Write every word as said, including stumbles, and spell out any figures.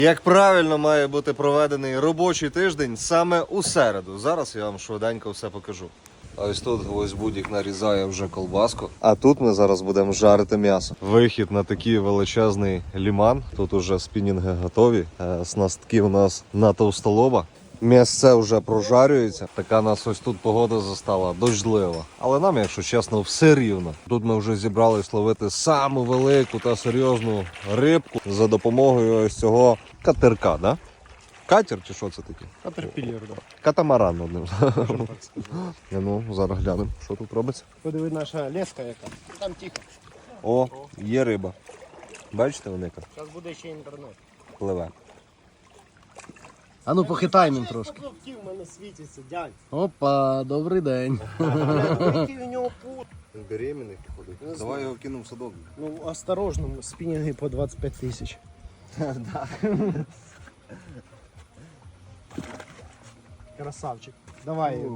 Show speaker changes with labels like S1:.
S1: Як правильно має бути проведений робочий тиждень саме у середу. Зараз я вам швиденько все покажу. А ось тут ось будь-як нарізає вже колбаску. А тут ми зараз будемо жарити м'ясо. Вихід на такий величезний ліман. Тут уже спінінги готові. Снастки у нас на товстолоба. М'ясце вже прожарюється. Така нас ось тут погода застала, дощлива. Але нам, якщо чесно, все рівно. Тут ми вже зібрались ловити саму велику та серйозну рибку за допомогою ось цього катерка, да? Катер чи що це таке?
S2: Катерпіллер, да.
S1: Катамаран одним.
S2: Можна так сказати.
S1: Ну, зараз глянемо, що тут робиться.
S2: Подиви, наша леска яка. Там тихо.
S1: О, є риба. Бачите, велика?
S2: Зараз буде ще інтернет.
S1: Пливе.
S2: А ну похитай мен трошки.
S3: Який в мене світиться, дядь.
S2: Опа, добрий день.
S3: Який у нього пут.
S1: Він беременний ходить. Давай його кинемо в садок.
S3: Ну, осторожно, спінінги по двадцять п'ять тисяч. Красавчик. Давай.